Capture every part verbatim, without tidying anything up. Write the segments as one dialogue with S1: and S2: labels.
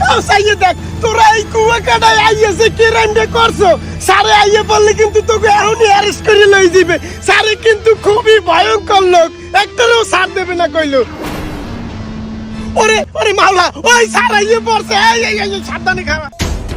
S1: সাইয়ে দেখ তোরা এই কুয়া কাটায় আইয়েছে কি রাইমে করছো সারে আইয়ে বললে কিন্তু তোকে এখনই অ্যারেস্ট করে লই যাবে সারে কিন্তু খুবই ভয়ঙ্কর লোক একটারও ছাড় দেবে না কইলো ওরে ওরে মাওলা ওই সার আইয়ে পড়ছে এই এই এই সাবধানে খাওয়া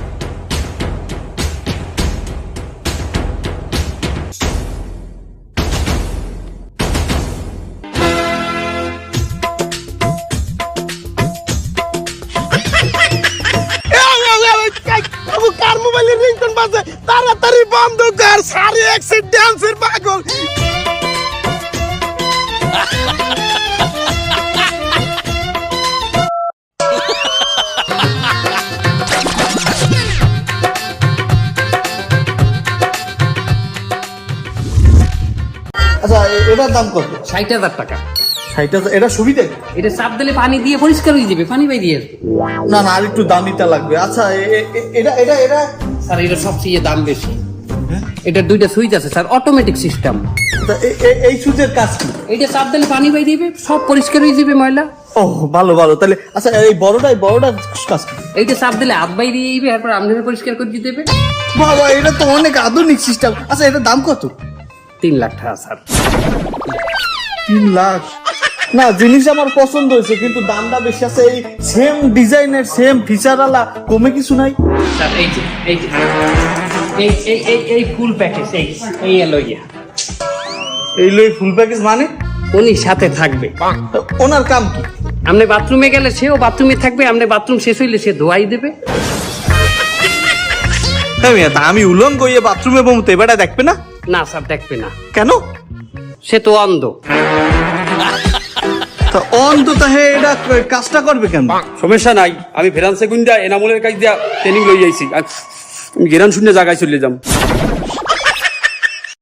S1: কার মোবাইলের রিংটোন বাজে তাড়াতাড়ি বন্ধ কর সারি এক্সিট ডান্সের পাগল
S2: আচ্ছা এটার দাম কত?
S3: ষাট হাজার টাকা।
S2: ষাট হাজার এটা সুবিধা?
S3: এটা চাপ দিলে পানি দিয়ে পরিষ্কার হয়ে যাবে, পানি বাই দিয়ে আসবে।
S2: না না আর একটু দামিটা লাগবে। আচ্ছা এটা এটা এটা
S3: স্যার এটা সবচেয়ে দাম বেশি। এটা দুইটা সুইচ আছে স্যার, অটোমেটিক সিস্টেম।
S2: এই সুইচের কাজ কি?
S3: এইটা চাপ দিলে পানি বাই দিবে, সব পরিষ্কার হয়ে যাবে ময়লা।
S2: ও ভালো ভালো। তাহলে আচ্ছা এই বড়টাই বড়টার কাজ কি?
S3: এইটা চাপ দিলে হাত বাই দিয়ে দিবে, তারপর আপনি পরিষ্কার করে দিয়ে দেবে।
S2: বাবা এটা তো অনেক আধুনিক সিস্টেম। আচ্ছা এটার দাম কত?
S3: তিন লাখ টাকা স্যার।
S2: তিন লাখ না জিনিস আমার পছন্দ হয়েছে কিন্তু দামটা বেশি আছে। এই সেম ডিজাইনের সেম ফিচার আলা কমে কিছু নাই?
S3: স্যার এই যে এই যে এই এই এই এই ফুল প্যাকেজ এই এই এলো ইয়া
S2: এই লই ফুল প্যাকেজ মানে
S3: উনি সাথে থাকবে।
S2: ওনার কাম কি?
S3: আপনি বাথরুমে গেলে সেও বাথরুমে থাকবে, আপনি বাথরুম শেষ হইলে সে ধোয়াই দেবে।
S2: আমি উলঙ্গ হয়ে বাথরুমে বমতে এবারে দেখবে না?
S3: না স্যার দেখবে না।
S2: কেন?
S3: সে তো অন্ধ।
S2: তা অন্ধ তাহে এটা কাজটা করবে কেন?
S4: সমস্যা নাই, আমি ফেরান্সে গুন্ডা এনামুলের কাজ দিয়া ট্রেনিং লই যাইছি। আমি গেরান শূন্য জায়গায় চলে যাম।